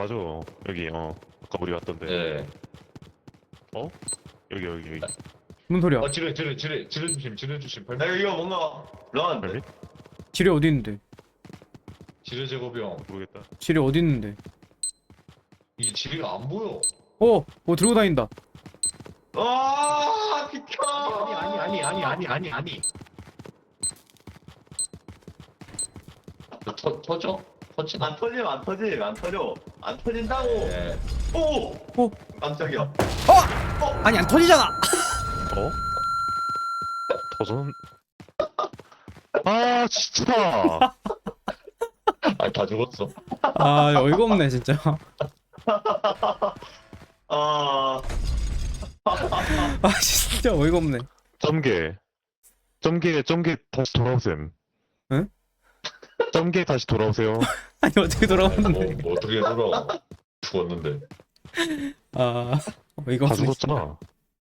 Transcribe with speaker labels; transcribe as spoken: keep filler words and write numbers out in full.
Speaker 1: 맞아. 여기 어 아까 우리 왔던데.
Speaker 2: 예.
Speaker 1: 어? 여기 여기 여기.
Speaker 3: 무슨 소리야?
Speaker 2: 어, 지뢰, 지뢰, 지뢰, 지뢰 주심, 지뢰 주심.
Speaker 4: 나 이거 뭔가 런.
Speaker 1: 빨리?
Speaker 3: 지뢰 어디 있는데?
Speaker 2: 지뢰 제거병.
Speaker 1: 모르겠다.
Speaker 3: 지뢰 어디 있는데?
Speaker 2: 이 지뢰가 안 보여.
Speaker 3: 어! 어 들고 다닌다.
Speaker 4: 아 비켜.
Speaker 2: 아니, 아니, 아니, 아니, 아니, 아니. 터, 터져? 터지나?
Speaker 4: 안 터짐 안 터짐 안 터져 안 터진다고.
Speaker 2: 예.
Speaker 4: 오.
Speaker 3: 오!
Speaker 4: 깜짝이야.
Speaker 3: 아니 안 터지잖아!
Speaker 1: 어? 터전? 아 진짜.
Speaker 2: 아, 다 죽었어.
Speaker 3: 아 어이가 없네 진짜.
Speaker 4: 아.
Speaker 3: 아 진짜 어이가 없네.
Speaker 1: 점개. 점개 점개 다시 돌아오셈.
Speaker 3: 응?
Speaker 1: 점개 다시 돌아오세요.
Speaker 3: 아니 어떻게
Speaker 2: 뭐,
Speaker 3: 돌아왔는데?
Speaker 2: 뭐 어떻게 돌아. 죽었는데.
Speaker 3: 아 어이가
Speaker 1: 다
Speaker 3: 없네.
Speaker 1: 죽었잖아.